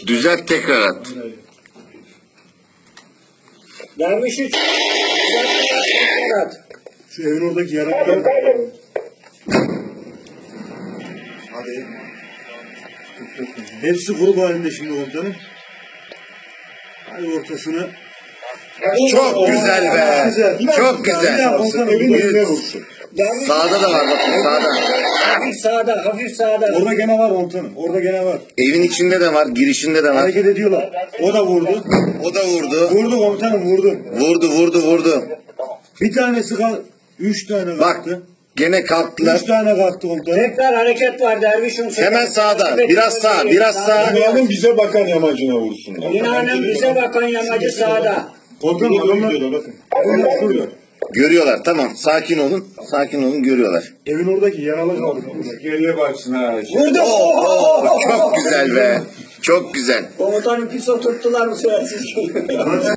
Düzelt tekrar at. Derviş 3. Tekrar at. Şu evin oradaki yaraklar. Hadi. Hepsi grup halinde şimdi komutanım. Hadi ortasını. Çok güzel be. Çok güzel. Ya komutanım Evin önüne vursun. Derviş Sağda da var bakın sağda. hafif sağda, hafif sağda. orada gene var komutanım. Orada gene var. Evin içinde de var, girişinde de var. Hareket ediyorlar. O da vurdu. O da vurdu. Vurdu komutanım vurdu. Vurdu. Bir tanesi kal. 3 tane Bak kalktı. gene kalktılar. 3 tane kalktı komutanım. Tekrar hareket var Derviş'in. Hemen sağda. Biraz sağ, biraz sağ. Binanın bize bakan yamacına vursunlar. Binanın bize bakan yamacı sağda. Komutanım adamlar Bakın. adamlar şurada. Görüyorlar tamam. Sakin olun. Sakin olun görüyorlar. Evin oradaki yaralı kaldı. Geriye baksın ha. Vurdu. Çok güzel be. Çok güzel. Komutanım pis oturttular bu sefer sizi.